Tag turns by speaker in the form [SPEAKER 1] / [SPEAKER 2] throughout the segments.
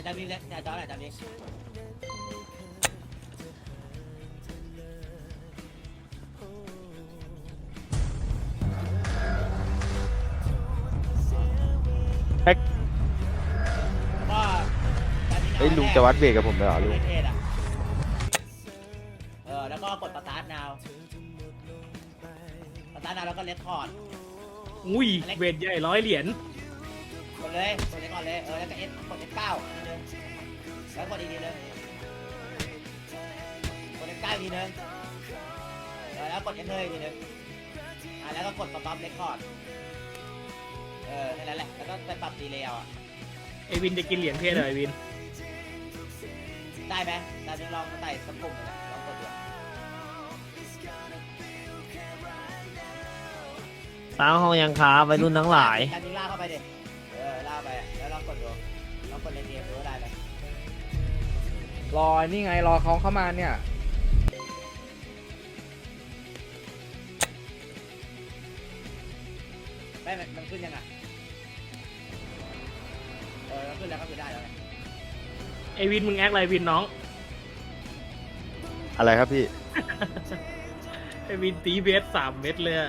[SPEAKER 1] อาจารย์วิ่งเล็กอาจารย์วิ่งก็
[SPEAKER 2] เฮ้ยลุงจะวัดเบรกกับผมเลยเหรอลุง
[SPEAKER 1] แล้วก็กดสตาร์ทนาวแล้วก็เลคคอร์ด
[SPEAKER 3] อุ้ยเวทใหญ่100 เหรียญ
[SPEAKER 1] กดเลยก่อนเลยแล้วก็กด F9 ทีนึงแล้วกดอีกทีนึงกด F9 ทีนึงแล้วกด Enter อีกทีนึงแล้วก็กด Stop Record แค่นั้นแหละแล้วก็ไปปรับดีเลย์เอาอะ
[SPEAKER 3] ไอวินจะกินเหรียญเพศเหรอไอวิน
[SPEAKER 1] ได้ไหมตอนนี้ลองใส่สักกลุ่มเลยลองกดดู
[SPEAKER 4] สร้างห้องยังค้าวัยรุ่นทั้งหลาย
[SPEAKER 1] การยิงล่าเข้าไปดิล่าไปแล้วลองกดดูลองกดเล่นเกมดูว่าได้ไหม
[SPEAKER 5] รอนี่ไงรอเขาเข้ามาเนี่ย
[SPEAKER 1] ไม่มันขึ้นยังไงมันขึ้นแล้วก็คือได้แล้วไง
[SPEAKER 3] ไอวินมึงแอคอะไรวินน้อง
[SPEAKER 2] อะไรครับพี่
[SPEAKER 3] ไอวินตีเบส3 เม็ดเลยอะ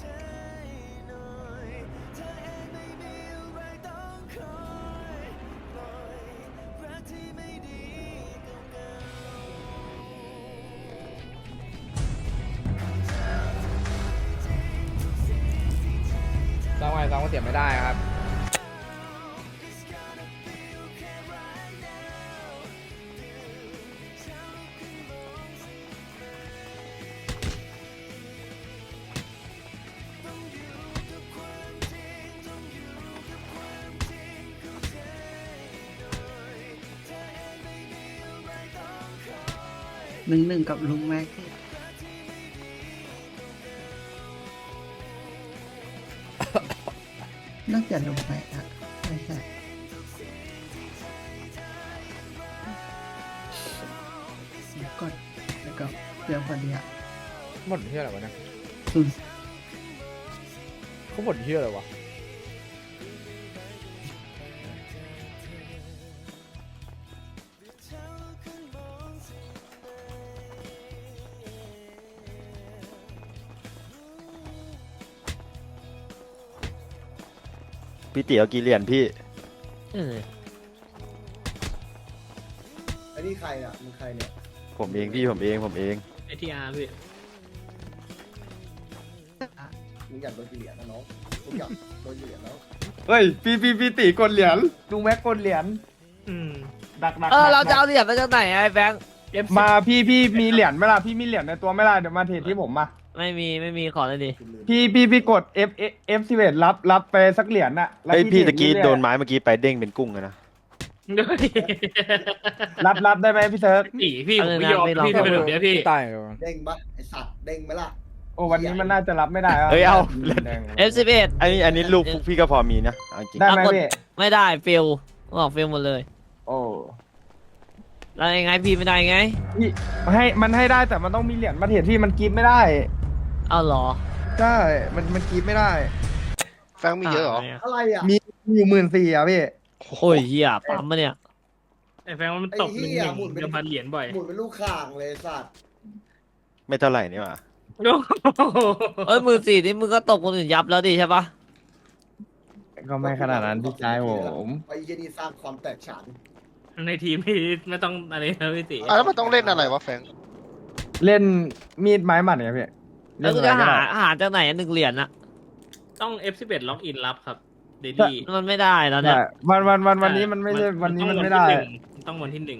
[SPEAKER 5] ซ้อมไงซ้อมก็เสียไม่ได้ครับ
[SPEAKER 6] 1-1กับลุงแม็กซ์น่าจะลุงแม็กซ์อะใช่กดแล้วก็เรื่องพอดีอะ
[SPEAKER 5] หมดเที่ยอะไรวะเนี่ย
[SPEAKER 6] อืม
[SPEAKER 5] เขาหมดเที่ยอะไรวะ
[SPEAKER 2] พี่ตีเอากี่เหรียญพี่
[SPEAKER 7] ไอ้นี่ใครอ่ะมึงใครเนี่ย
[SPEAKER 2] ผมเองพี่ผมเอง
[SPEAKER 3] ไอทีอาร์พี่
[SPEAKER 7] มึงอยากโดนกี่เหรียญนะน้องมึงอยากโดนกี่เหรียญแล้ว
[SPEAKER 8] เฮ้ยพี่ตีกดเหรียญลุงแม็กกดเหรียญ
[SPEAKER 3] อืม
[SPEAKER 8] ดัก
[SPEAKER 4] เราจะเอาเหรียญมาจากไหนไอ้แบงค์
[SPEAKER 8] มาพี่มีเหรียญไหมล่ะพี่มีเหรียญในตัวไหมล่ะเดี๋ยวมาเทรดที่ผมมา
[SPEAKER 4] ไม่มีขอเลยดิ
[SPEAKER 8] พี่กด F11 รับไปสักเหรียญน่ะแล้ว
[SPEAKER 2] เฮ้ยพี่ตะกี้
[SPEAKER 8] เทรด
[SPEAKER 2] โด
[SPEAKER 8] เรื่อย
[SPEAKER 2] นไม้เมื่อกี้ไปเด้งเป็นกุ้งเลยนะ
[SPEAKER 3] ด้วย
[SPEAKER 8] รับได้ไหมพี่เซิร์ฟ
[SPEAKER 3] พี่ผมไม่ยอมพี่จะเป็นแบบเนี้ยพี่
[SPEAKER 5] ตายเลยวะ
[SPEAKER 7] เด้งปะไอสัตว์เด้งไหมล่ะ
[SPEAKER 8] โอ้วันนี้มันน่าจะรับไม่ได้ะ
[SPEAKER 2] เฮ้ยเอา
[SPEAKER 8] แดง
[SPEAKER 4] F11
[SPEAKER 2] อันนี้ลูกพวกพี่ก็พอมีนะเอาจริง
[SPEAKER 8] ได้ไหมพี่
[SPEAKER 4] ไม่ได้ฟิลบอกฟิลหมดเลย
[SPEAKER 8] โอ้
[SPEAKER 4] แล้วยังไงพี่ไม่ได้ไง
[SPEAKER 8] พี่มันให้ได้แต่มันต้องมีเหรียญมาเทรดที่มันกรีบไม่ได้
[SPEAKER 4] เอาเหรอ
[SPEAKER 8] ใช่มันกรีบไม่ได้
[SPEAKER 9] แฟงมีเยอะเหรอ
[SPEAKER 7] อะไรอ่ะ
[SPEAKER 8] มีอยู่14,000อ่ะพี่
[SPEAKER 4] โอ้ยเหี้ยปั๊มมาเนี่ย
[SPEAKER 3] ไอแฟงมันตก1-1เดือนพันเหรียญบ่อย
[SPEAKER 7] หมุนเป็นลูกข่างเลยสัตว์
[SPEAKER 2] ไม่เท่าไหร่นี่หว่า
[SPEAKER 4] เอ้ย14,000นี่มึงก็ตกคนอื่นยับแล้วดิใช่ปะ
[SPEAKER 8] ก็ไม่ขนาดนั้นพี่ชายผม
[SPEAKER 7] ไปเยนี่สร้างความแตกฉาน
[SPEAKER 3] ในทีมพี่ไม่ต้องอะไรนะพี่ติ
[SPEAKER 9] แล้วมันต้องเล่นอะไรวะแฟง
[SPEAKER 8] เล่นมีดไม้หมัดเนี่ยพี่
[SPEAKER 4] แล้วกู
[SPEAKER 8] เล่
[SPEAKER 4] จะ
[SPEAKER 8] นอะไรก็
[SPEAKER 4] หา
[SPEAKER 8] ได้
[SPEAKER 4] หาจากไหนอะ1 เหรียญอะ
[SPEAKER 3] ต้อง F11 ล็อกอินรับครับเดลี่
[SPEAKER 4] มันไม่ได้แล้วเนี่ย
[SPEAKER 8] วันนี้มันไม่ใช่วันนี้มันไม่ได้
[SPEAKER 3] ต้องวันที่1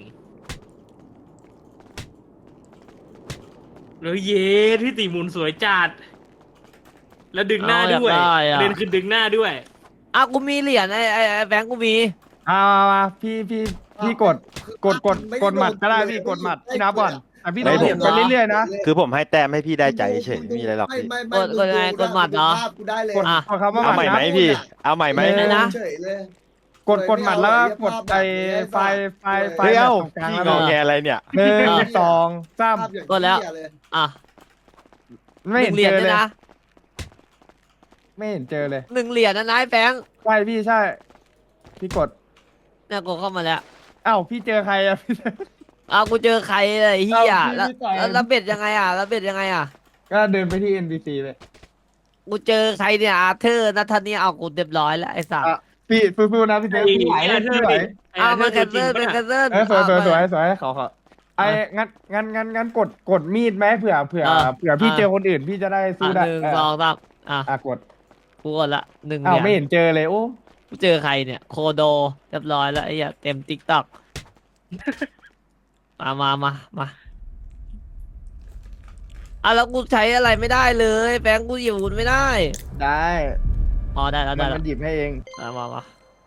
[SPEAKER 3] แล้วเยสพี่ตีหมุนสวยจัดแล้วดึงหน้าด้วย
[SPEAKER 4] เอาอยากได้อะ
[SPEAKER 3] เล่นคือดึงหน้าด้วย
[SPEAKER 4] อ่ะกูมีเหรียญไอ้แบงค์กูมี
[SPEAKER 8] มาพี่กดหมัดก็ได้พี่กดหมัดพี่นับก่อนแต่พี่ต้องเหรียญไปเรื่อยๆนะ
[SPEAKER 2] คือผมให้แต้มให้พี่ได้ใจเฉยไม่มีอะไรหรอกพี่
[SPEAKER 7] ไม่กูได้เลย
[SPEAKER 8] กดคำว่าห
[SPEAKER 2] เอา
[SPEAKER 8] มัด
[SPEAKER 2] ใหม่ไหม
[SPEAKER 8] นะ
[SPEAKER 2] พี่ เอาใหม่ไหม
[SPEAKER 7] เฉยเลย
[SPEAKER 8] กดหมัดแล้วก็กดไอ้ไฟ
[SPEAKER 2] เฮ้ย
[SPEAKER 8] แบ
[SPEAKER 2] เอ้า
[SPEAKER 8] บตรงกลาง
[SPEAKER 2] พี่
[SPEAKER 8] แล้ว
[SPEAKER 2] งอแงอะไรเนี่ย
[SPEAKER 8] 1 2 3
[SPEAKER 4] อ่ะ
[SPEAKER 8] ไม่
[SPEAKER 4] ห
[SPEAKER 8] เห็
[SPEAKER 4] นึ่
[SPEAKER 8] น
[SPEAKER 4] งเหรียญ
[SPEAKER 8] เจอ
[SPEAKER 4] ด้ว
[SPEAKER 8] เลย ย
[SPEAKER 4] นะ
[SPEAKER 8] ไม่เห็นเจอเลย
[SPEAKER 4] 1 เหรียญนะนายแบงค์
[SPEAKER 8] ใช่พี่ใช่พี่กด
[SPEAKER 4] เนี่ยกูเข้ามาแล้ว
[SPEAKER 8] เอ้าพี่เจอใครอะ
[SPEAKER 4] อ้าวกูเจอใครเลยไอ้เฮีย
[SPEAKER 8] เอาพี่
[SPEAKER 4] แล้ว
[SPEAKER 8] พี่ต่อย
[SPEAKER 4] แล้วเบ็ดยังไงอ่ะแล้วเบ็ดยังไงอ่ะ
[SPEAKER 8] ก็เดินไปที่ NPC เลย
[SPEAKER 4] กูเจอใครเนี่ยอาเธอร์นัทธานี่เอากูเรียบร้อยแล้วไอ้สัตว์
[SPEAKER 8] อ่ะพี่สู้ๆนะพี่เซฟพี่ไหวพี่ไหว
[SPEAKER 4] อ้าวมันแคนเซิลเป็นแคนเซิล
[SPEAKER 8] สวยสวยขอไอ้งั้นกดมีดไหมเผื่อพี่เจอคนอื่นพี่จะได้สู้ได้
[SPEAKER 4] หนึ่งสองสาม
[SPEAKER 8] กด
[SPEAKER 4] กูกดละหนึ่ง
[SPEAKER 8] อ้าว
[SPEAKER 4] เหรียญ
[SPEAKER 8] ไม่เห็นเจอเลยโอ้
[SPEAKER 4] กูเจอใครเนี่ยโคโดเรียบร้อยแล้วไอ้เหี้ยเต็มติ๊กต็อกมาแล้วกูใช้อะไรไม่ได้เลยแบงค์กูหยิบอาวุธไม่ได้
[SPEAKER 8] ได้
[SPEAKER 4] อ๋อได้แล้วได้
[SPEAKER 8] มั
[SPEAKER 4] แล้ว
[SPEAKER 8] นหยิบให้เอง
[SPEAKER 4] มา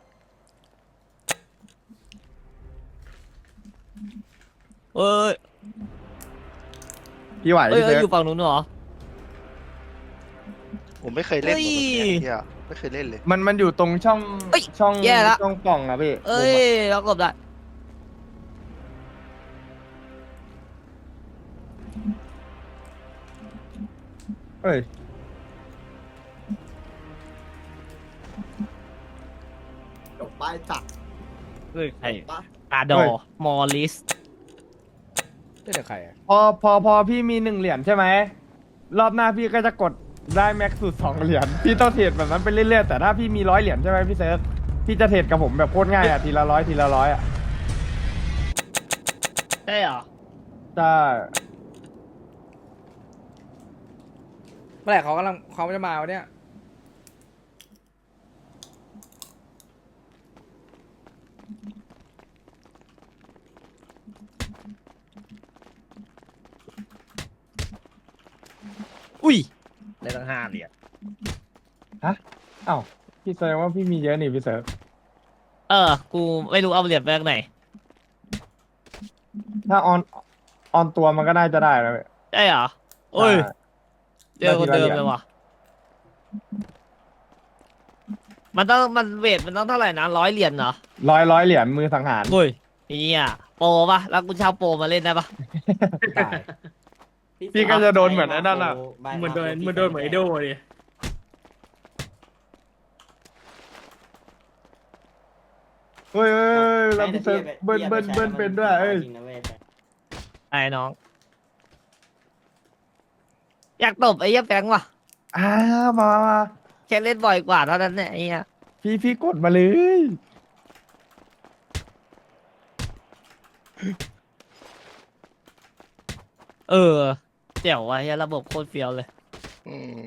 [SPEAKER 4] เอ้ย
[SPEAKER 8] พี่ไหว
[SPEAKER 4] เอ้ย
[SPEAKER 8] พี่เซฟ
[SPEAKER 4] อยู่ฝั่งนู้นเหรอ
[SPEAKER 9] ผมไม่เคยเล่น
[SPEAKER 4] เฮ้
[SPEAKER 9] หม
[SPEAKER 4] ย
[SPEAKER 9] ดแบบเนี้ยเหี้ยไม่เคยเล่นเลย
[SPEAKER 8] มันอยู่ตรงช่อง
[SPEAKER 4] เอ้ย
[SPEAKER 8] ช่อง
[SPEAKER 4] แย่ละ
[SPEAKER 8] ช่องปล่องอะพี่
[SPEAKER 4] เอ้ยเรากบได้
[SPEAKER 8] เอ้ย
[SPEAKER 7] จบไปจัด
[SPEAKER 4] เอ้ยใคร
[SPEAKER 7] ปะ
[SPEAKER 4] กาดอมอลิส
[SPEAKER 5] เจอใครอะ
[SPEAKER 8] พอพี่มี1 เหรียญใช่ไหมรอบหน้าพี่ก็จะกดได้แม็กซ์สุด2 เหรียญพี่ต้องเทรดแบบนั้นไปเรื่อยๆแต่ถ้าพี่มี100 เหรียญใช่ไหมพี่เซิร์ฟพี่จะเทรดกับผมแบบโคตรง่ายอะทีละร้อยอะ
[SPEAKER 4] ใช่เหรอ
[SPEAKER 8] ใช่
[SPEAKER 5] เมื่อไหร่เขาจะมาวะเนี่ย
[SPEAKER 4] อุ้ย
[SPEAKER 5] ได้ตั้ง5 เหรียญ
[SPEAKER 8] อ้าวพี่แสดงว่าพี่มีเยอะนี่พี่เซิร์ฟ
[SPEAKER 4] กูไม่รู้เอาเหรียญไปจากไหน
[SPEAKER 8] ถ้าออนตัวมันก็น่าจะได้แล้วเว้ย
[SPEAKER 4] ใช่เหรอโอ้ย
[SPEAKER 8] ใช่
[SPEAKER 4] เจอคนเดิมเลยว่ะมันเวทมันต้องเท่าไหร่นะ100 เหรียญเหรอ
[SPEAKER 8] ร้อยเหรียญมือสังหาร
[SPEAKER 4] โอ้ยเนี่ยโปรปะแล้วกูเช่าโปรมาเล่นได้ปะ
[SPEAKER 5] ตาย
[SPEAKER 8] พี่ก็จะโดนเหมือนไอ้นั่นอะ
[SPEAKER 3] เหมือนโดนเหมือนไอโดเลย
[SPEAKER 8] เฮ้ยเราพี่เซิร์ฟเบิ้ลเป็นด้วยเอ้ย
[SPEAKER 4] ไอ้น้อง อยากตบไอ้เหี้ยแฟงว่ะ
[SPEAKER 8] มา
[SPEAKER 4] แค่เล่นบ่อยกว่าเท่านั้นเนี่ยไอ้เหี้ย
[SPEAKER 8] พี่กดมาเลย
[SPEAKER 4] เจ๋วว่ะเหี้ยระบบโคตรเฟี้ยวเลย
[SPEAKER 9] อืม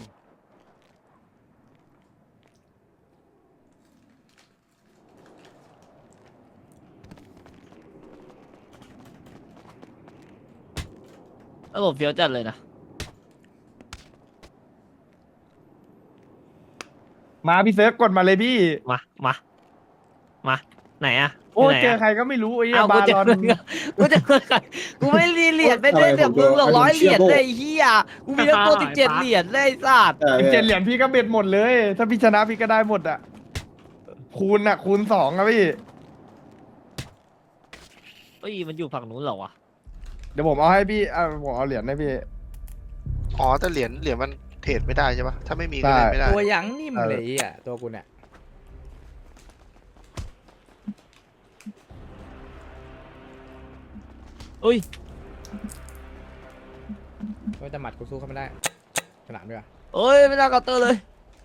[SPEAKER 4] ระบบเฟี้ยวจัดเลยนะ
[SPEAKER 8] มาพี่เซิร์ฟกดมาเลยพี่
[SPEAKER 4] มาไหนอะ
[SPEAKER 8] โอ้
[SPEAKER 4] ยู่ไหนะ
[SPEAKER 8] เจอใครก็ไม่รู้ไอ้เหี้ย
[SPEAKER 4] เอา
[SPEAKER 8] บา
[SPEAKER 4] กูเจอ
[SPEAKER 8] ลอน
[SPEAKER 4] มึงอะกูเจอใครกูไม่รีเหรียญไม่ได้แบบมึงหรอก100 เหรียญเลยไอ้เฮียกูมีทั้งตัว17 เหรียญเลยไอ้สัตว์
[SPEAKER 8] 17 เหรียญพี่ก็เบ็ดหมดเลย ถ้าพี่ชนะพี่ก็ได้หมดอะคูณ2อะพี่
[SPEAKER 4] เฮ้ยมันอยู่ฝั่งนู้นเหรอวะ
[SPEAKER 8] เดี๋ยวผมเอาให้พี่ผมเอาเหรียญให้พี่
[SPEAKER 9] อ๋อแต่เหรียญมันเทรดไม่ได้ใช่ปะถ้าไม่มีก็เล่นไม่ได้
[SPEAKER 5] ตัวยังนิ่มเลยอ่ะตัวกูเนี่ย
[SPEAKER 4] อุ้ย
[SPEAKER 5] ว่าจะหมัดกูสู้เขาไม่ได้ฉลามด้วย
[SPEAKER 4] เอ้ยไม่น่าเคาน์เตอร์เลย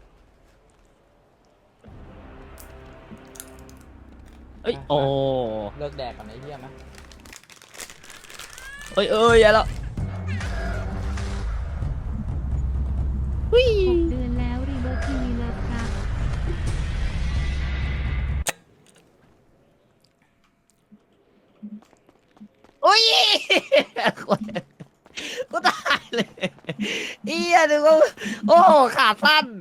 [SPEAKER 4] เอ้ยโอ้
[SPEAKER 5] เลิกแดกกันไอ้เหี้ยมั้ย
[SPEAKER 4] เอ้ยอย่าแล้ว
[SPEAKER 10] 6 เดือนแล้วรีเบิร์ทีวีเลิฟครับ
[SPEAKER 4] อุ้ยกูตายเลยเอียดูว่าโอ้ขาสั้น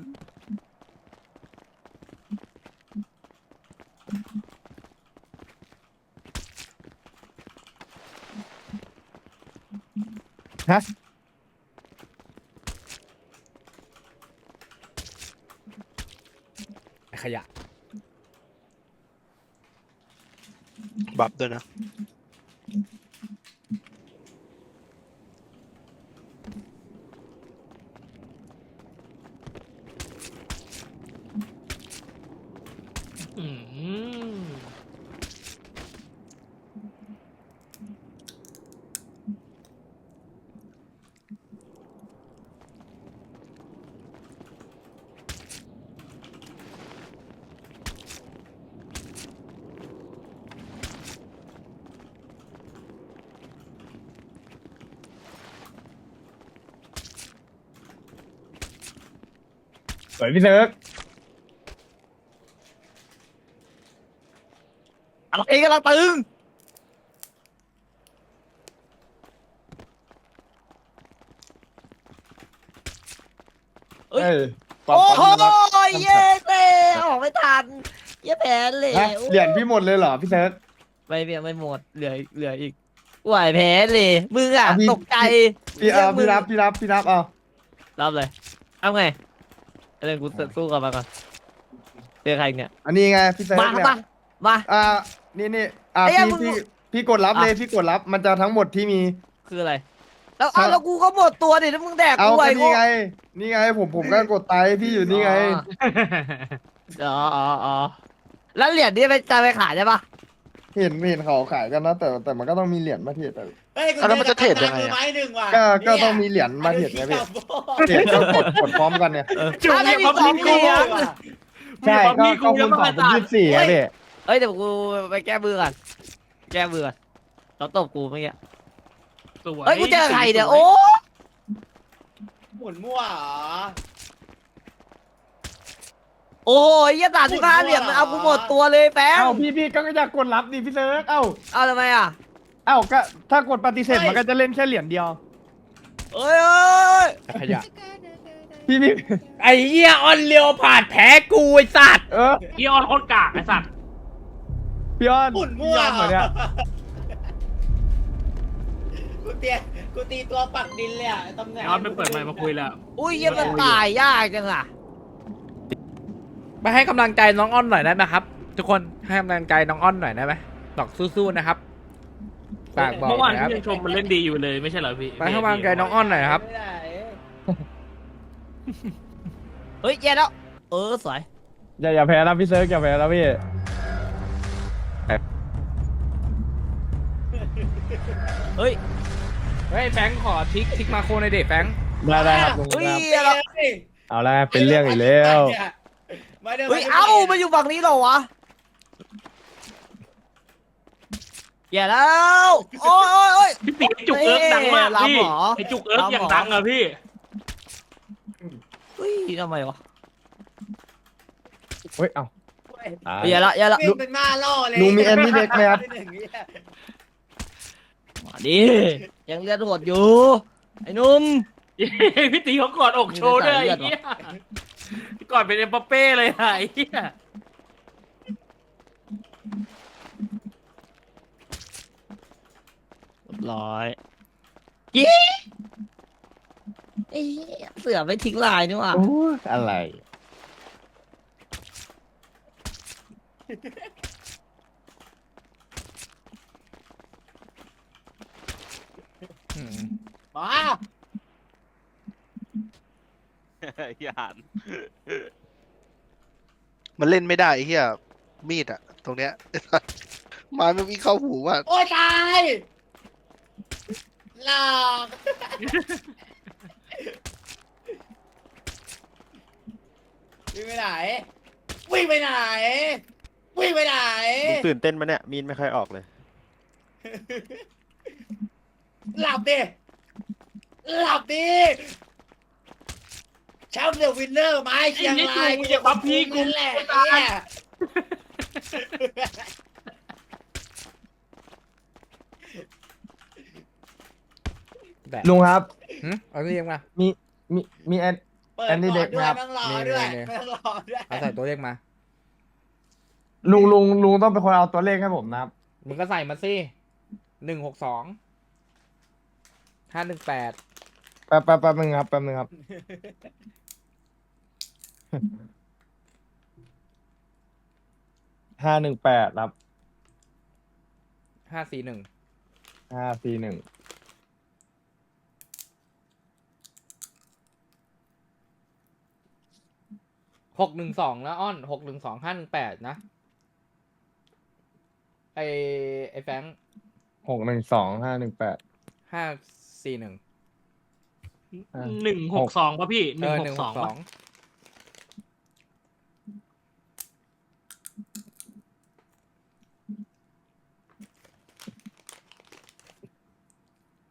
[SPEAKER 8] ฮะ
[SPEAKER 5] ไอ้ขยะ
[SPEAKER 9] บัฟด้วยนะ
[SPEAKER 3] อืม
[SPEAKER 8] วยพี่เซิร์ก
[SPEAKER 4] อะไรกำลังตึง เอ้ย
[SPEAKER 8] เอ้ย
[SPEAKER 4] โอ้โห
[SPEAKER 8] ปั๊ม
[SPEAKER 4] เย้เต้ออกไม่ทันเย้แผนเลย
[SPEAKER 8] ฮะเหรียญพี่หมดเลยเหรอพี่เซิร์ก
[SPEAKER 4] ไม่เพียงไม่หมดเหลืออีกไหวแพ้เลยมึงอ่ะ
[SPEAKER 8] อ่ะพี่
[SPEAKER 4] ตกใจ
[SPEAKER 8] พี่เอา
[SPEAKER 4] มึ
[SPEAKER 8] พี่
[SPEAKER 4] ง
[SPEAKER 8] รับเอา
[SPEAKER 4] รับเลยเอาไงเรื่องกูสู้กันมาก่อนเจอใครอีกเนี่ย
[SPEAKER 8] อันนี้ไงพี่เซิร์ก
[SPEAKER 4] มา
[SPEAKER 8] เนี่ย
[SPEAKER 4] มา
[SPEAKER 8] นี่อ่า
[SPEAKER 4] ไอ้เหี้ยมึง
[SPEAKER 8] พี่กดรับเลยพี่กดรับมันจะทั้งหมดที่มี
[SPEAKER 4] คืออะไรแล้วเอาแล้วกูก็หมดตัวดิถ้ามึงแดก
[SPEAKER 8] เอา
[SPEAKER 4] กูไหว
[SPEAKER 8] ก็นี่ไงผมก็กดไตพี่อยู่นี่ไง
[SPEAKER 4] อ๋อแล้วเหรียญนี่ไปจะไปขายได้ปะ
[SPEAKER 8] เห็นเขาขายกันนะแต่มันก็ต้องมีเหรียญมาเทรดอะ
[SPEAKER 1] เฮ้ยกู
[SPEAKER 9] แล้วมันจะเทรดยังไง
[SPEAKER 1] มือ
[SPEAKER 9] อะ
[SPEAKER 1] ไม้หนึ่งว่ะ
[SPEAKER 8] ก็ต้องมีเหรียญมาเทรดไงพี่เทรดก็กดพร้อมกันเนี่ย
[SPEAKER 3] จุก
[SPEAKER 4] ถ้า
[SPEAKER 3] มี
[SPEAKER 4] ได้มี
[SPEAKER 3] ความ
[SPEAKER 4] สอง
[SPEAKER 3] พี่
[SPEAKER 4] เหรี
[SPEAKER 3] กู
[SPEAKER 4] ยญ
[SPEAKER 8] ใช่
[SPEAKER 3] มี
[SPEAKER 8] ก็
[SPEAKER 3] ความ
[SPEAKER 8] คูณ
[SPEAKER 3] พี่
[SPEAKER 8] 2 เป็น 24ครับพี่
[SPEAKER 4] เอ้ยเดี๋ยวกูไปแก้มือก่อนแก้มือก่อนเขาตบกูเมื่อกี้
[SPEAKER 3] สวย
[SPEAKER 4] เฮ้ยกูเจอใครเดี๋ยวโอ้
[SPEAKER 1] หมุนมั่วเหรอ
[SPEAKER 4] โอ้ยยี่ตัด15 เหรียญมันเอากูหมดตัวเลยแฟง
[SPEAKER 8] เอ้าพี่ก็อยากกดรับดิพี่เซิร์กเอ้า
[SPEAKER 4] เอาทำไมอ่ะ
[SPEAKER 8] ก็ถ้ากดปฏิเสธมันก็จะเล่นแค่เหรียญเดียว
[SPEAKER 4] เอ้ย
[SPEAKER 5] ขยะ
[SPEAKER 8] พี่
[SPEAKER 5] ไอ้เหี้ยออนเลียวผ่านแพ้กูไอ้สัตว์
[SPEAKER 3] พี่ออนโคตรกากไอ้สัตว์
[SPEAKER 8] พี่อ้อน
[SPEAKER 1] หมุนมั่ว
[SPEAKER 8] พี่อ้อนเหมือนเนี่ย
[SPEAKER 1] กูตีตัวปักดินเลยอ่ะตำแหน่ง
[SPEAKER 3] พี่ออนไม่เปิดไมค์มาคุยแล้ว
[SPEAKER 4] อุ้ยยี่มันตายยากจังอ่ะ
[SPEAKER 5] ไปให้กำลังใจน้องอ้อนหน่อยได้ไหมครับ ทุกคนให้กำลังใจน้องอ้อนหน่อยได้ไหมบอกสู้ๆนะครับฝากบอก
[SPEAKER 3] เมื่อวาน
[SPEAKER 5] นะครับ
[SPEAKER 3] พี่ยังชมมันเล่นดีอยู่เลยไม่ใช่เหรอพี่
[SPEAKER 5] ไปให้กำลังใจน้องอ้อนหน่อยนะครับ
[SPEAKER 1] ไม่ได้
[SPEAKER 4] เฮ้ยแย่แล้วสวย
[SPEAKER 8] อย่าแพ้นะพี่เซิร์กอย่าแพ้นะพี่
[SPEAKER 4] เฮ้ย
[SPEAKER 5] เฮ้ยแฟงขอทิกมาโคในเด็กแฟง
[SPEAKER 8] ได้ครับลุง
[SPEAKER 4] เฮ้ย
[SPEAKER 8] ครับเอาละเป็นเรื่องอีกแล้ว
[SPEAKER 4] เฮ้ยเอ้ามาอยู่ฝั่งนี้เหรอวะแย่แล้วโอ้ย
[SPEAKER 3] พี่ตีจุกเอิร์กดังมากพี่
[SPEAKER 4] ลำเหรอ
[SPEAKER 3] ไอจุกเอิร์กอย่างดังอะพี่
[SPEAKER 4] เฮ้ยทำไมวะ
[SPEAKER 8] เฮ้ยเอ้าตาย
[SPEAKER 4] แย่ละ
[SPEAKER 1] วิ่งเป็นม้าล่อเลย
[SPEAKER 8] ลุงมีแอนนี่เด็กไหมครับ
[SPEAKER 4] มาดิยังเลือดโหดอยู่ไอ้หนุ่ม
[SPEAKER 3] พี่ตีเขากอดอกโชว์ด้วยไอ้เหี้ยกอดเป็นเอ็มบัปเป้เลยอะไอ้เหี้ย
[SPEAKER 4] ร้อยยี่เสือไม่ทิ้งลายนี่หว่า
[SPEAKER 8] โอ้ยอะไร
[SPEAKER 1] มา
[SPEAKER 9] มันเล่นไม่ได้ไอ้เหี้ยมีดอะตรงเนี้ย ไม้มันวิ่งเข้าหูว่า
[SPEAKER 1] โอ้ยตายหลอกวิ่งไปไหนวิ่งไปไหนวิ่งไปไหน
[SPEAKER 2] มึงตื่นเต้นมาเนี่ย มีนไม่ค่อยออกเลย
[SPEAKER 1] หลับดิหลับดิแชมป์เดอะวินเนอร์ไม้เชียงราย
[SPEAKER 3] กูจะบัฟพี่กู
[SPEAKER 1] นั่นแหละ
[SPEAKER 3] ตาย
[SPEAKER 1] เนี่ย
[SPEAKER 8] ลุงครับ
[SPEAKER 5] เอาตัวเลขมา
[SPEAKER 8] มีแอน
[SPEAKER 1] เปิด
[SPEAKER 8] แอนนี่
[SPEAKER 1] ก่
[SPEAKER 8] เด็
[SPEAKER 1] อน
[SPEAKER 8] ก
[SPEAKER 1] ด้วย
[SPEAKER 8] ครับ
[SPEAKER 1] ไม่ต้องรอด้วย
[SPEAKER 5] นี่
[SPEAKER 1] ไม่ต้องรอด้วย
[SPEAKER 5] เอาใส่ตัวเลขมา
[SPEAKER 8] ลุงต้องเป็นคนเอาตัวเลขให้ผมนะครับ
[SPEAKER 5] มึงก็ใส่มาสิ162 518
[SPEAKER 8] แป๊บนึงครับ 518ครับ
[SPEAKER 5] 541
[SPEAKER 8] 541
[SPEAKER 5] 612แล้วอ้อน612 518นะไอแฟง
[SPEAKER 8] 612 518
[SPEAKER 5] 541
[SPEAKER 3] 162ป่ะพี่162ป่ะ
[SPEAKER 5] 162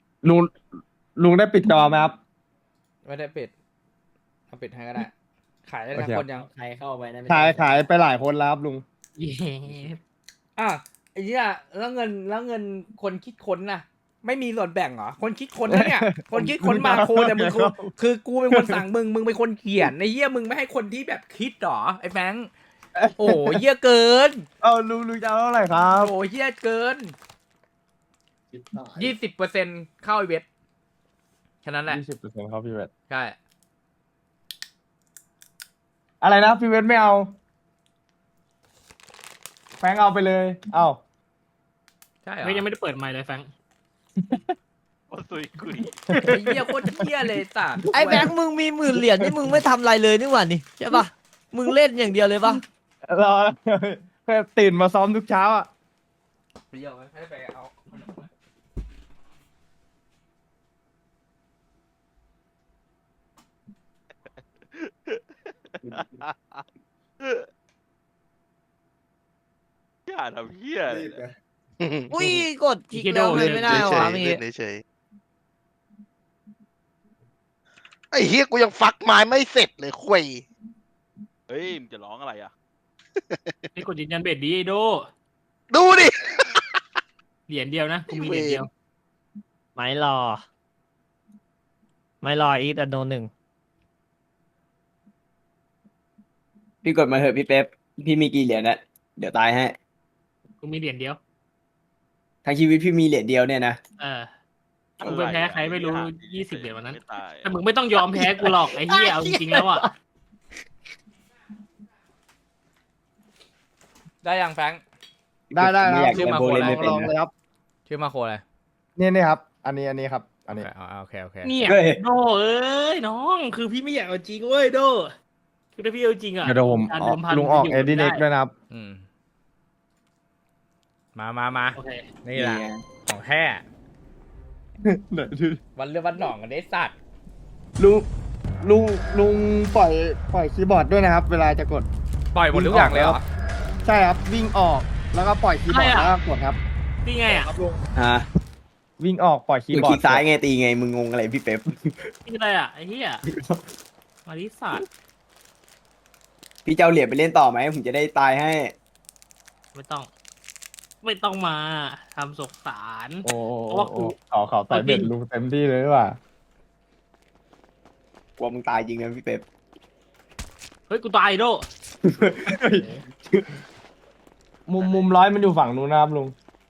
[SPEAKER 8] ลุงได้ปิดจอไหมครับ
[SPEAKER 5] ไม่ได้ปิดเอาปิดให้ก็ได้ขายได้
[SPEAKER 8] โอ
[SPEAKER 5] ทั้ง
[SPEAKER 8] เค
[SPEAKER 5] คนยัง
[SPEAKER 3] ใครเข้าไปนะไม่
[SPEAKER 8] ขายไปหลายคนแล้วครับลุง
[SPEAKER 3] เย้
[SPEAKER 5] อ่ะไอ้เนี่ยแล้วเงินคนคิดค้นน่ะ ไม่มีส่วนแบ่งเหรอคนคิดค้นนะเนี่ย คนคิดค้นมาโคแต่มึงคือกูเป็นคนสั่งมึงเป็นคนเขียนไอ้เหี้ยมึงไม่ให้คนที่แบบคิดหรอไอ้แฟงค์โอ้เหี้ยเกิน
[SPEAKER 8] เอาลุงจะเอาเท่าไหร่ครับ
[SPEAKER 5] โอ้เหี้ยเกิน
[SPEAKER 7] ชิบหาย
[SPEAKER 5] 20%เข้าไอเวทแค่นั้นแหละ
[SPEAKER 8] 20%ครับพี่เวท
[SPEAKER 5] ใช่
[SPEAKER 8] อะไรนะพี่เวทไม่เอาแฟงเอาไปเลย เอา
[SPEAKER 5] ใช่เหรอ
[SPEAKER 3] เฮ้ยยังไม่ได้เปิดไมค์เลยแฟรงค์
[SPEAKER 2] โอ้ตุยกุย
[SPEAKER 5] ไอ้เหี้ยโคตรเหี้ยเลยสัตว์
[SPEAKER 4] ไอ้แบงค์มึงมี10,000 เหรียญนี่มึงไม่ทำอะไรเลยนี่หว่านี่ใช่ปะมึงเล่นอย่างเดียวเลยปะ
[SPEAKER 8] รอตื่นมาซ้อมทุกเช้าอ่ะ
[SPEAKER 5] เดี๋ยวให้ไปเอา
[SPEAKER 2] อย่าทำเหี้ย
[SPEAKER 7] รีบไง
[SPEAKER 4] อุ้ยกดคลิกแล้วทำไมไม่ได้
[SPEAKER 9] เฉ
[SPEAKER 4] วะ
[SPEAKER 9] ย
[SPEAKER 4] เมื่อ
[SPEAKER 9] ๆ
[SPEAKER 4] กี้
[SPEAKER 9] เล่นเฉยๆไอ้เฮียกูยังฟักไม้ไม่เสร็จเลยคุย
[SPEAKER 2] เฮ้ยมึงจะร้องอะไรอ่ะ
[SPEAKER 3] ไอ้กดยืนยันเบ็ดดีไอ้โด
[SPEAKER 9] ดูดิ
[SPEAKER 3] เหรียญเดียวนะกูมีเหรียญเดียว
[SPEAKER 4] ไม่รออีกอันโนหนึ่ง
[SPEAKER 11] พี่กดมาเถอะพี่เป๊ปพี่มีกี่เหรียญนะเดี๋ยวตายให้
[SPEAKER 3] กูมีเหรียญเดียว
[SPEAKER 11] ทั้งชีวิตพี่มีเหรียญเดียวเนี่ยนะ
[SPEAKER 3] เออกูไปแพ้ใครไม่รู้20 เหรียญวันนั้น
[SPEAKER 2] ไม่ตาย
[SPEAKER 3] แต่มึงไม่ต้องยอมแพ้กูหรอกไอ้เหี้ยเอาจริงๆแล้วอ่ะ
[SPEAKER 5] ได้ยังแฟงค์
[SPEAKER 8] ได้ครับ
[SPEAKER 11] ไม่อยาก
[SPEAKER 5] ชื่อ
[SPEAKER 11] เล่น
[SPEAKER 5] มา
[SPEAKER 11] โบ
[SPEAKER 5] โค
[SPEAKER 11] ว์เล่นไม่เป็น
[SPEAKER 8] ลองเลย
[SPEAKER 11] นะครับ
[SPEAKER 5] ชื่อมาโคอะไร
[SPEAKER 8] นี่ครับ อันนี้ครับ อันนี้
[SPEAKER 5] โอเคโอเค
[SPEAKER 3] เนี่ย
[SPEAKER 11] เฮ้ย
[SPEAKER 3] โดเอ้ยน้องคือพี่ไม่อยากเอาจริงเว้ยโดคือถ้าพี่เอาจริงอ่ะ
[SPEAKER 8] เดี๋ยวผม
[SPEAKER 3] การเดิมพัน
[SPEAKER 8] ลุงออก
[SPEAKER 3] มัน
[SPEAKER 8] เอ
[SPEAKER 3] ยู่
[SPEAKER 8] ดีเน็ก
[SPEAKER 3] ได้
[SPEAKER 8] ด้วยนะครับ
[SPEAKER 5] อืมมา
[SPEAKER 3] โอเค
[SPEAKER 5] นี่แหละ
[SPEAKER 11] ไง
[SPEAKER 5] ของแท้ วันเรือวันหนองกันได้สัตว์
[SPEAKER 8] ลุงปล่อยคีย์บอร์ดด้วยนะครับ เวลาจะกด
[SPEAKER 5] ปล่อยหมดทุกอย่างเลยเหรอ
[SPEAKER 8] ใช่ครับ วิ่งออกแล้วก็ปล่อยคีย์บอร์ดแล้วก็กดครับ
[SPEAKER 3] นี่ไงอ่ะ
[SPEAKER 11] ฮะ
[SPEAKER 8] วิ่งออกปล่อยคี
[SPEAKER 11] มึ
[SPEAKER 8] ย์
[SPEAKER 11] ง
[SPEAKER 8] บอ
[SPEAKER 11] ค
[SPEAKER 8] ร์
[SPEAKER 11] ลิ
[SPEAKER 8] ด
[SPEAKER 11] กซ้ายไงตีไงมึงงงอะไรพี่เป๊ป
[SPEAKER 3] นี่อะไรอ่ะไอ้เหี้ยมาริสัตว์
[SPEAKER 11] พี่จะเอาเหรียญไปเล่นต่อไหมผมจะได้ตายให้
[SPEAKER 3] ไม่ต้องมาทำสกสาร
[SPEAKER 8] โอ้
[SPEAKER 3] เพราะว่ากู
[SPEAKER 8] ขอใส่เบ็ดลุงเต็มที่เลยดีกว่า
[SPEAKER 11] กลัวมึงตายจริงนะพี่เป๊ป
[SPEAKER 3] เฮ้ยกูตายโด
[SPEAKER 8] มุมร้อยมันอยู่ฝั่งนู้นนะครับลุง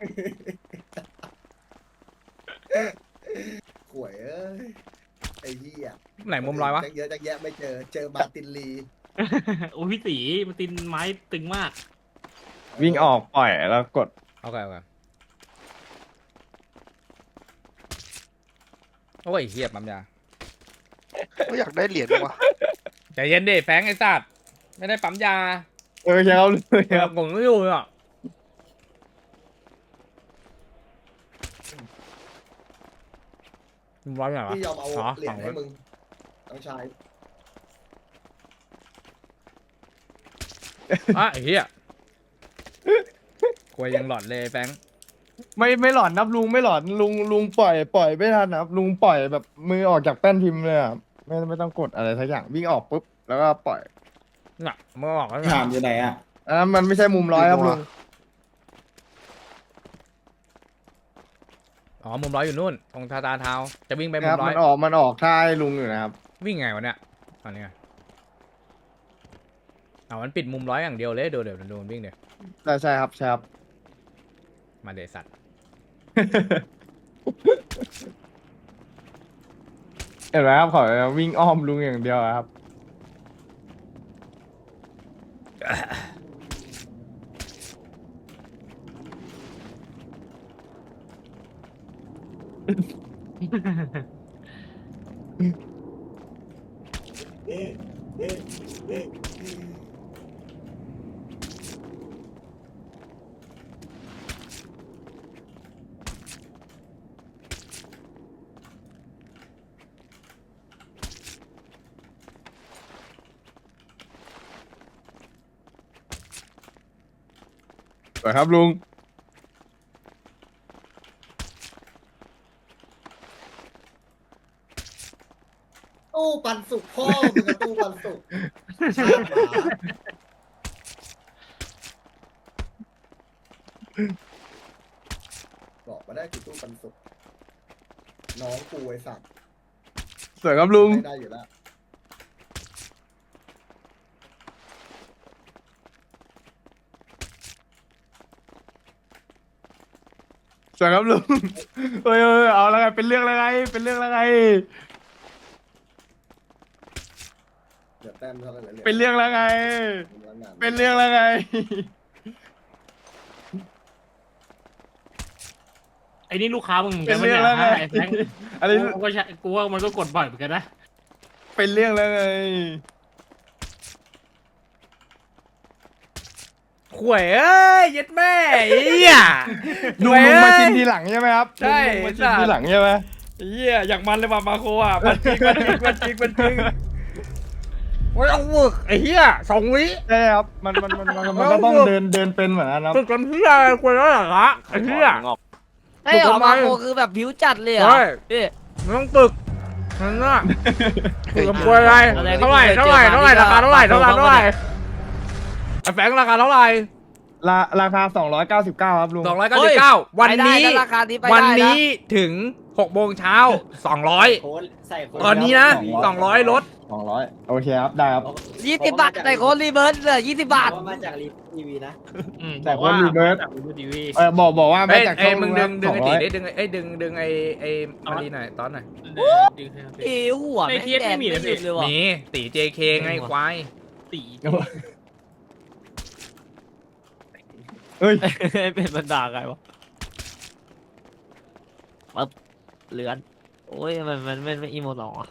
[SPEAKER 7] ข่วยเอ้ยไอ้เหี้ย
[SPEAKER 5] ไหนมุมร้อยวะ
[SPEAKER 7] จังเยอะจังแยะไม่เจอมาร์ตินลี
[SPEAKER 3] โอ้ยพี่ตีมันตินไม้ตึงมาก
[SPEAKER 8] วิ่งออกปล่อยแล้วกด
[SPEAKER 5] โอเคโอ้ยเฮียปั๊มยา
[SPEAKER 9] ก็อยากได้เหรียญว่ะ
[SPEAKER 5] ใจเย็นดิแฟงไอ้สัตว์ไม่ได้ปั๊มยา
[SPEAKER 8] ใช่ครับเลยครับ
[SPEAKER 5] ผมไม่อยู่อ่ะร้อยไหนวะ
[SPEAKER 7] พี่ยอมเอา
[SPEAKER 5] อ๋อ
[SPEAKER 7] เหรีย
[SPEAKER 5] ฝั่
[SPEAKER 7] ญ
[SPEAKER 5] ง
[SPEAKER 7] ให้
[SPEAKER 5] นู้น
[SPEAKER 7] มึงน้องชาย
[SPEAKER 5] อ่ะไอ้เหี้ยควยยังหลอดเลยแฟง
[SPEAKER 8] ไม่หลอนนับลุงไม่หลอนลุงปล่อยไม่ทันนะครับลุงปล่อยแบบมือออกจากแป้นพิมพ์เลยอ่ะไม่ต้องกดอะไรสักอย่างวิ่งออกปุ๊บแล้วก็ปล่อย
[SPEAKER 5] น่ะเมื่อออกแล้ว
[SPEAKER 11] ถามอยู่ไหนอ่ะ
[SPEAKER 8] อันนั้นมันไม่ใช่มุมร้อยครับลุง
[SPEAKER 5] อ๋อมุมร้อยอยู่นู่นตรงทาตาเท้าจะวิ่งไป
[SPEAKER 8] ค
[SPEAKER 5] มุ
[SPEAKER 8] รับ
[SPEAKER 5] มร้อย
[SPEAKER 8] มันออกท่าให้ลุงอยู่นะครับ
[SPEAKER 5] วิ่งไงวะเนี่ยอันนี้ไงมันปิดมุมร้อยอย่างเดียวเลยเดี๋ยวโดนวิ่งเดี๋ยว
[SPEAKER 8] ใช่ครับ
[SPEAKER 5] มาเดสัตว์
[SPEAKER 8] เห็นไหมครับขอวิ่งอ้อมลุงอย่างเดียวอะครับ สวยครับลุง
[SPEAKER 7] ตู้ปันสุกพ่อมึงกับตู้ปันสุกบอกมาได้กี่ตู้ปันสุกน้องกูไอ้สัตว์
[SPEAKER 8] สวยครับลุง
[SPEAKER 7] ไม่ได้อยู่แล้ว
[SPEAKER 8] สวยครับลุงเอ้ยเอาแล้วไงเป็นเรื่องแล้วไงเป็นเรื่องแล้วไง
[SPEAKER 7] เดี๋ยวแต้มเท่าไหร่
[SPEAKER 8] เป็นเรื่องแล้วไง
[SPEAKER 7] เป็
[SPEAKER 8] เป็น นเรื่องแล้วไง
[SPEAKER 3] ไอ้นี่ลูกค้ามึงเหมือน
[SPEAKER 8] เป็
[SPEAKER 3] กัน น
[SPEAKER 8] เรื่องแล้วไง
[SPEAKER 3] ไอ้แฟง
[SPEAKER 8] อันนี้
[SPEAKER 3] กูก็ใช่กูว่ามันก็กดบ่อยเหมือนกันนะ
[SPEAKER 8] เป็นเรื่องแล้วไง
[SPEAKER 5] ข่วยเอ้ยเย็ดแม่ไอ้เหี้ย
[SPEAKER 8] ลุงมาชิมทีหลังใช่ไหมครับ
[SPEAKER 5] ใช่
[SPEAKER 8] ลุงมาชิมทีหลังใช่ไหม
[SPEAKER 5] ไอ้เหี้ยอย่างมันเลยว่ะมาโคอ่ะมันจริงมันจริงมันจริงโอ้ยเอาฝึกไอ้เหี้ย2 วิ
[SPEAKER 8] ใช่ครับมันก็ต้องเดินเป็นเหมือนกันครับ
[SPEAKER 5] ฝึกกันเหี้ยอะไรควรแล้วเหรอฮะไอ้เหี้ย
[SPEAKER 2] งอก
[SPEAKER 4] ไอ้หรอมาโคคือแบบผิวจัดเลยเหรอ
[SPEAKER 5] ใช่
[SPEAKER 4] พี่
[SPEAKER 5] มันต้องฝึกนั่นน่ะฝึกกับควรอะไรเท่าไหร่ราคาเท่าไหร่ไอ้แฟงราคาเท่าไหร่
[SPEAKER 8] ราคา299ครับลุง
[SPEAKER 5] 299วันนี้
[SPEAKER 4] ไปได้ราคานี้ไปได้ะ
[SPEAKER 5] วันนี้ถึง6 โมงเช้า200
[SPEAKER 1] โค้ดใส่โค้ด
[SPEAKER 5] ตอนนี้นะ200ลด
[SPEAKER 8] 200โอเคครับได้ครับ
[SPEAKER 4] 20 บาทใส่โค้ดรีเบิร์สเลย20 บาท
[SPEAKER 1] เพระมาจากรีทีวีนะ
[SPEAKER 8] แต่คนรีเบิร์ส
[SPEAKER 3] จากทีวี
[SPEAKER 8] บอกว่า
[SPEAKER 5] เอ้
[SPEAKER 8] มาย จาก
[SPEAKER 5] เอ้ย
[SPEAKER 8] ช่อง
[SPEAKER 5] มึงดึง
[SPEAKER 8] ส
[SPEAKER 5] ไอ้
[SPEAKER 8] อ
[SPEAKER 5] ตี
[SPEAKER 8] ร้อย
[SPEAKER 5] ได้ดึงไอ้มาดีหน่อยตอนหน่อย
[SPEAKER 4] เอ้หัว
[SPEAKER 3] ใน
[SPEAKER 4] แม่ง
[SPEAKER 3] เทีย
[SPEAKER 4] แด
[SPEAKER 3] ไม่
[SPEAKER 4] ง
[SPEAKER 3] มี
[SPEAKER 4] ไม่
[SPEAKER 3] นะ
[SPEAKER 4] หยุ
[SPEAKER 3] พี่
[SPEAKER 4] ดเลยว่ะ
[SPEAKER 5] มีตี JK ไงควาย
[SPEAKER 3] ตี
[SPEAKER 8] เอ้ย
[SPEAKER 4] เป็นบรรดาไงวะปั๊บเลือนโอ้ยมันไม่อีโมหรอ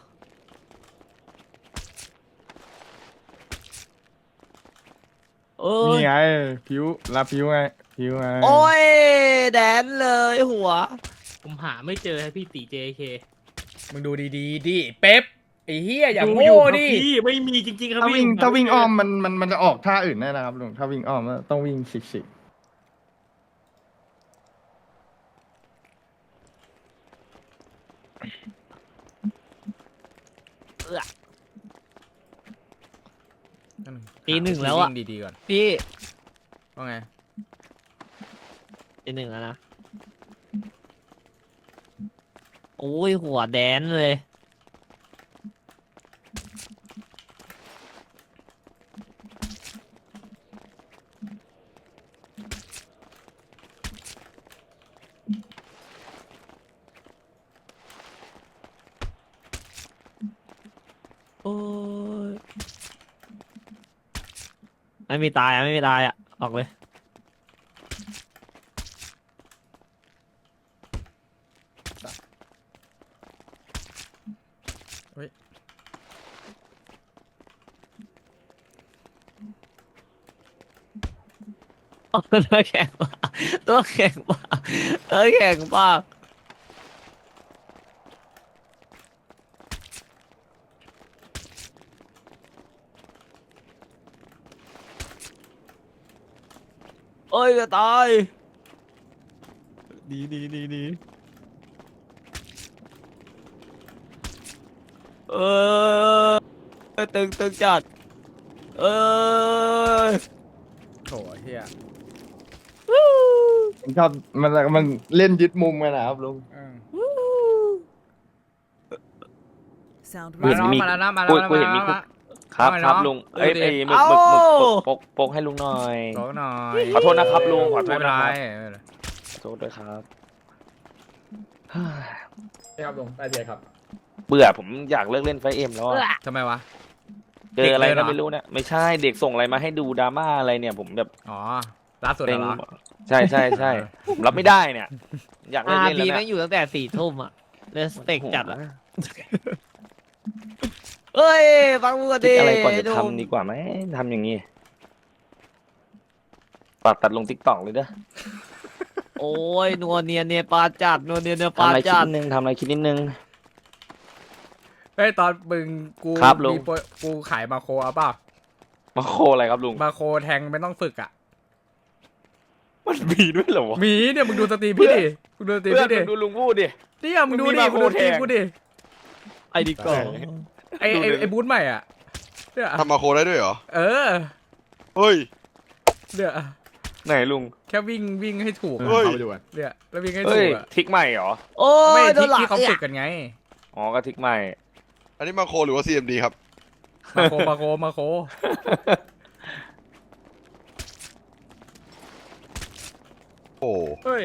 [SPEAKER 4] โอ้ย
[SPEAKER 8] นี่ไงผิวไงไง
[SPEAKER 4] โอ้ยแดนเลยหัว
[SPEAKER 3] ผมหาไม่เจอให้พี่ตี JK
[SPEAKER 5] มึงดูดีๆดิเป๊ปไอ้เฮียอย่า
[SPEAKER 3] ดู
[SPEAKER 5] โง่
[SPEAKER 3] อยู่ครับ
[SPEAKER 5] ดิ
[SPEAKER 3] พี่ไม่มีจริงๆครับ
[SPEAKER 8] ถ้า
[SPEAKER 3] พี่
[SPEAKER 8] วิ่งอ้อมมันจะออกท่าอื่นแน่นะครับลุงถ้าวิ่งอ้อมต้องวิ่งสิก
[SPEAKER 4] ตีหนึ่งแล้วอะ
[SPEAKER 5] วิ่งดีๆก่อน
[SPEAKER 4] พี่
[SPEAKER 5] ว่าไง
[SPEAKER 4] ตีหนึ่งแล้วนะโอ้ยหัวแดนเลยโอ้ยไม่มีตายอะไม่มีตายอะออกเลยตัวแข็งป่ะตัวแข็งป่ะตัวแข็งป่ะเอ้ยจะตายดีเออตึงจัดเออ
[SPEAKER 5] โถเฮีย
[SPEAKER 8] ๆชอบมันเล่นยึดมุมกันนะครับลุง
[SPEAKER 5] มาแล้วมาแล้วนะมาแล้ว
[SPEAKER 11] กูเห็นมี
[SPEAKER 5] มาแล้ว
[SPEAKER 11] ครับ
[SPEAKER 5] เอาไง
[SPEAKER 11] ครับ
[SPEAKER 5] เนาะ
[SPEAKER 11] ลุง
[SPEAKER 5] ดูดิ
[SPEAKER 11] หมึกปกให้ลุงหน่อย
[SPEAKER 5] ขอหน่อย
[SPEAKER 11] ขอโทษนะครับลุงขอโท
[SPEAKER 5] ไม่
[SPEAKER 11] ษ
[SPEAKER 5] เป็น
[SPEAKER 11] นะ
[SPEAKER 5] ไร
[SPEAKER 11] ครับขอโทษด้วยครับ
[SPEAKER 6] ครับลุงได้เลยครับ
[SPEAKER 11] เบื่อผมอยากเลิกเล่นไฟเอ็มแล้วอะ
[SPEAKER 5] ทำไมวะ
[SPEAKER 11] เจออะไร
[SPEAKER 5] เด็กเลยเหร
[SPEAKER 11] ก็
[SPEAKER 5] อ
[SPEAKER 11] ไม่รู้เนี่ยไม่ใช่เด็กส่งอะไรมาให้ดูดราม่าอะไรเนี่ย ผมแบบ
[SPEAKER 5] อ๋อล่าสุด
[SPEAKER 11] เป็น
[SPEAKER 5] เหรอ
[SPEAKER 11] ใช่ผมรับไม่ได้เนี่ย อยากเลิกเล่น
[SPEAKER 4] พี
[SPEAKER 11] แล้ว
[SPEAKER 4] แม่
[SPEAKER 11] เนี่ย
[SPEAKER 4] งอยู่ตั้งแต่4 ทุ่มอะเลสเต็กจัดอะเอ้ยฟังมึงก่อน
[SPEAKER 11] คิ
[SPEAKER 4] ดิ
[SPEAKER 11] ดอะไรก่อนจะ
[SPEAKER 4] ดู
[SPEAKER 11] ทำดีกว่าไหมทำอย่างนี้ฝากตัดลงทิกตอกเลยเด้อ
[SPEAKER 4] โอ้ยนัวเนียเนปาจัดนัวเนียเน
[SPEAKER 11] ทำ
[SPEAKER 4] ปา
[SPEAKER 11] อะไรคิด
[SPEAKER 4] จัด
[SPEAKER 11] นิดนึงทำอะไรคิดนิดนึง
[SPEAKER 5] เฮ้ยตอนมึงกู
[SPEAKER 11] ครับลุง
[SPEAKER 5] มีโปรกูขายมาโคเอาเปล่า
[SPEAKER 11] มาโคอะไรครับลุง
[SPEAKER 5] มาโคแทงไม่ต้องฝึกอ่ะ
[SPEAKER 11] มันมีด้วยเหรอวะ
[SPEAKER 5] มีเนี่ยมึงดูสตรีมพี่ดิมึงดูสตรีม
[SPEAKER 11] เพื่อน
[SPEAKER 5] พี่ดิ
[SPEAKER 11] มึงดูลุงพูดดิ
[SPEAKER 5] เนี่ยมึงดู
[SPEAKER 11] มึงมี
[SPEAKER 5] ดิ
[SPEAKER 11] มา
[SPEAKER 5] มึงดูสตรีม
[SPEAKER 11] โคแทง
[SPEAKER 5] กูดิ
[SPEAKER 4] ไอ้ดิก่อน
[SPEAKER 5] ไอบูธใหม่อ่ะเนี่ย
[SPEAKER 9] ทำมาโคได้ด้วยเหรอ
[SPEAKER 5] เออ
[SPEAKER 9] เฮ้ย
[SPEAKER 5] เนี่ย
[SPEAKER 11] ไหนลุง
[SPEAKER 5] แค่วิ่งให้ถูก
[SPEAKER 9] เฮ้ย
[SPEAKER 5] เนี่ยแล้ววิ่งให้
[SPEAKER 11] เฮ้
[SPEAKER 5] ถู
[SPEAKER 11] ย
[SPEAKER 5] กอะ
[SPEAKER 11] ทิกใหม่เหรอ
[SPEAKER 4] โอ้
[SPEAKER 5] ไม่
[SPEAKER 4] ยโด
[SPEAKER 5] ที่
[SPEAKER 4] นหลัง
[SPEAKER 5] ที่เขา
[SPEAKER 4] เนี่
[SPEAKER 5] ฝึ
[SPEAKER 4] ย
[SPEAKER 5] กกันไง
[SPEAKER 11] อ๋อก็ทิกใหม่
[SPEAKER 9] อันนี้มาโคหรือว่า CMD ครับ
[SPEAKER 5] มาโค
[SPEAKER 9] โอ้
[SPEAKER 5] เฮ้ย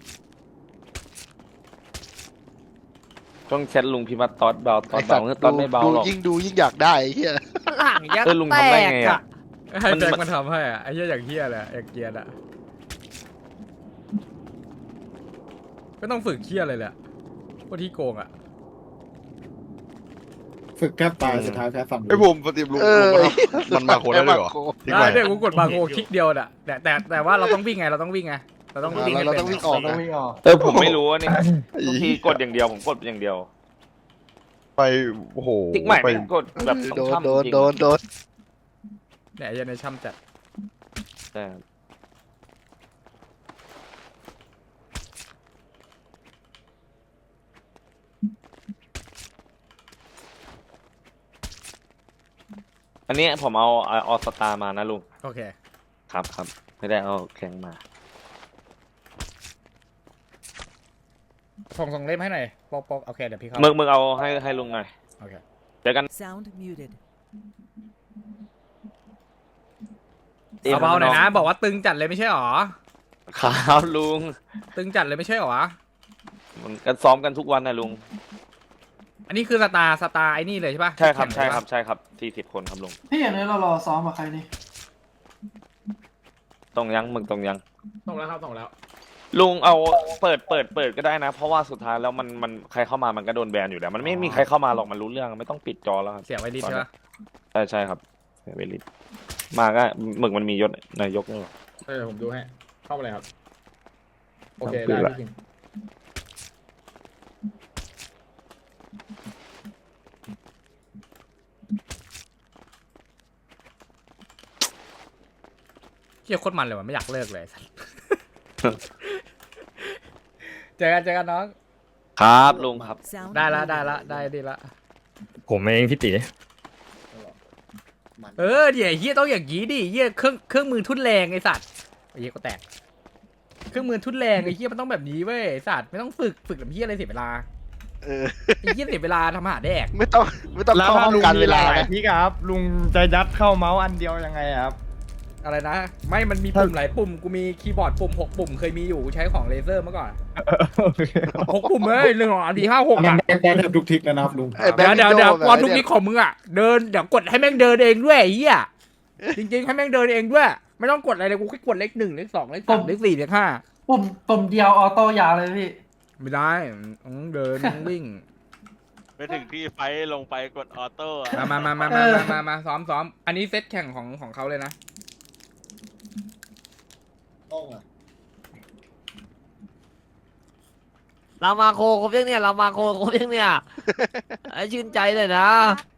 [SPEAKER 11] ต้องแชทลุงพิมพ์ว่าตอดเบาตอ
[SPEAKER 9] ไอ
[SPEAKER 11] ด
[SPEAKER 9] สั
[SPEAKER 11] เบา
[SPEAKER 9] ตว์
[SPEAKER 11] ตอดไม่เบาหรอก
[SPEAKER 9] ยิ่งดูยิ่งอยากได้ไอ้เหี้ย
[SPEAKER 4] หลังยัก
[SPEAKER 11] ลุง
[SPEAKER 4] แต
[SPEAKER 11] ทำได้
[SPEAKER 4] ก
[SPEAKER 11] ไง
[SPEAKER 4] อะ
[SPEAKER 11] อะ
[SPEAKER 5] ให้แจ็คมันทำให้อ่ะไอ้เหี้ยอย่างเหี้ยเลยอย่างเกียร์อ่ะก็ต้องฝึกเหี้ยเลยแหละพวกที่โกงอ่ะ
[SPEAKER 6] ฝึกแทบตายสุดท้ายแพ้ฝั่ง
[SPEAKER 9] ไอ้ผมปฏิบัติลุงมันมาโคได้ด้วยเหรอทิ้ง
[SPEAKER 5] ได้
[SPEAKER 9] ไว้
[SPEAKER 5] เนี่ยกูกดมาโคคลิกเดียวน่ะแต่ว่าเราต้องวิ่งไงเราต้องวิ่งไงเราต้องวิ่งให้
[SPEAKER 9] เรา
[SPEAKER 5] เป็น
[SPEAKER 9] ต้องวิ่งออกนะ
[SPEAKER 11] ผมไม่รู้ว่านี่ทุกทีกดอย่างเดียวผมกดอย่างเดียว
[SPEAKER 9] ไปโอ้โห
[SPEAKER 11] ทิกใหม่
[SPEAKER 9] ไป
[SPEAKER 11] ไม่กดแบบ
[SPEAKER 9] โด
[SPEAKER 11] ต้อง
[SPEAKER 9] น
[SPEAKER 11] ทำ
[SPEAKER 9] โดน
[SPEAKER 11] จริง
[SPEAKER 9] โดนโดน
[SPEAKER 5] เนี่ยไอ้เหี้ยในช่ำจัด
[SPEAKER 11] แต่อันนี้ผมเอาออสตามานะลุง
[SPEAKER 5] โอเค
[SPEAKER 11] ครับไม่ได้เอาแข็งมา
[SPEAKER 5] ส่งเล่มให้หน่อยปอกโอเคเดี๋ยวพี่เข้า
[SPEAKER 11] มึงเอาให้ลุงหน่อย
[SPEAKER 5] โอเค
[SPEAKER 11] เจอกัน
[SPEAKER 5] เบาๆหน่อยนะบอกว่าตึงจัดเลยไม่ใช่หรอ
[SPEAKER 11] ครับลุง
[SPEAKER 5] ตึงจัดเลยไม่ใช่หรอ
[SPEAKER 11] มันกันซ้อมกันทุกวันนะลุง
[SPEAKER 5] อันนี้คือสตาร์ไอ้นี่เลยใช่ปะ
[SPEAKER 11] ใช่ครับ
[SPEAKER 5] แข่ง
[SPEAKER 11] ใช่
[SPEAKER 5] เลยปะ
[SPEAKER 11] ครับใช่ครับ40 คนครับลุง
[SPEAKER 6] พี่อย่างนี้เรารอซ้อมกับใครนี่
[SPEAKER 11] ตรงยังมึงตรงยัง
[SPEAKER 5] ส่งแล้วครับส่งแล้ว
[SPEAKER 11] ลุงเอาเปิดก็ได้นะ เพราะว่าสุดท้ายแล้วมันใครเข้ามามันก็โดนแบนอยู่แล้วมันไม่มีใครเข้ามาหรอกมันรู้เรื่องไม่ต้องปิดจอแล้วครับ
[SPEAKER 5] เสียงไว้ดิใช่ปะ
[SPEAKER 11] ใช่ครับเวลิตมาก็หมึกมันมียศนายกนี่หรอ
[SPEAKER 5] ผมดูให้เข้ามาเลยครับโอเค
[SPEAKER 11] ครับ
[SPEAKER 5] ได้พี่คิงเฮียโคตรมันเลยว่ะไม่อยากเลิกเลย เจอกันน้อง
[SPEAKER 11] ครับลุงครับ
[SPEAKER 5] ได้ดีละ
[SPEAKER 3] ผมเองพี่ตี
[SPEAKER 5] เดี๋ยวเฮียต้องอย่างงี้ดิเฮียเครื่องมือทุ่นแรงไอสัตว์ไอ้เฮียก็แตกเครื่องมือทุ่นแรงไอ้เฮียมันต้องแบบนี้เว้ยไอ้สัตว์ไม่ต้องฝึกแบบเฮียอะไรเสียเวลา
[SPEAKER 9] เออ
[SPEAKER 5] ไอ้เฮียเสียเวลาทำอาหารแดก
[SPEAKER 9] ไม่ต้อง
[SPEAKER 8] แล้ว
[SPEAKER 9] เข้า
[SPEAKER 8] ถ้า
[SPEAKER 9] ห้อง
[SPEAKER 8] ลุง
[SPEAKER 9] การ
[SPEAKER 8] มี
[SPEAKER 9] เว
[SPEAKER 8] ห
[SPEAKER 9] ลา
[SPEAKER 8] ลาย
[SPEAKER 9] นะ
[SPEAKER 8] ๆทิกอะครับ ลุงจะยัดเข้าเมาส์อันเดียวยังไงอะครับ
[SPEAKER 5] อะไรนะไม่มันมีปุ่มหลายปุ่มกูมีคีย์บอร์ดปุ่ม6 ปุ่มเคยมีอยู่กูใช้ของเลเซอร์เมื่อก่อน6 ปุ่มเลย1 2 3 4 5 6อ่ะ
[SPEAKER 6] ได้แทบทุกทิกแล้วนะครับลุง
[SPEAKER 9] ไอ้แบ็ค
[SPEAKER 5] เดี๋ยว
[SPEAKER 9] วิโ
[SPEAKER 5] ความทุกนี้ของมึงอ่ะเดินเดี๋ยวกดให้แม่งเดินเองด้วยไอ้เหี้ยจริงๆให้แม่งเดินเองด้วยไม่ต้องกดอะไรเลยกูแค่กดเลข 1 เลข 2 เลข 3 เลข 4 เลข
[SPEAKER 6] ปุ่มเดียวออโต้ยาวเลยพี่
[SPEAKER 5] 5ไม่ได้ต้องเดินต้องวิ่ง
[SPEAKER 2] ไปถึงที่ไฟลงไปกดออโต้อะ
[SPEAKER 5] มาซ้อมอันนี้เซตแข่งของเขาเลยนะ
[SPEAKER 7] ต้องอ่ะ
[SPEAKER 4] เรามาโคครบยังเนี่ยเรามาโคครบยังเนี่ยไอ้ชื่นใจเลยนะ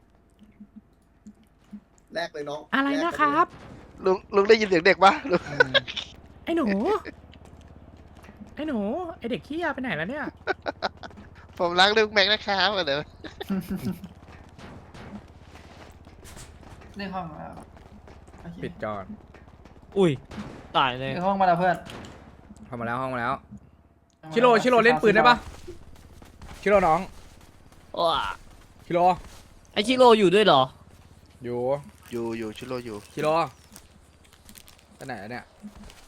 [SPEAKER 7] แลกเลยน้อง
[SPEAKER 5] อะไรนะครับ
[SPEAKER 9] ลุงได้ยินเสียงเด็กปะลุง
[SPEAKER 5] ไอ้หนูไอเด็กขี้ยาไปไหนแล้วเนี่ย
[SPEAKER 9] ผมรักลุงแม็กนะครับเดี๋ยว
[SPEAKER 6] เรียกห้องมา
[SPEAKER 5] ปิดจอน
[SPEAKER 4] อุ้ยตายเลย
[SPEAKER 6] เรียกห้องมาแล้วเพื่อน
[SPEAKER 5] เข้ามาแล้วชิโร่เล่นปืนได้ปะชิโร่น้อง
[SPEAKER 4] ว้า
[SPEAKER 5] ชิโร่
[SPEAKER 4] ไอชิโร่อยู่ด้วยเหรอ
[SPEAKER 5] อยู่
[SPEAKER 9] อยู่ชิโร่อยู่
[SPEAKER 5] ชิโร่ไปไหนอะเนี่ย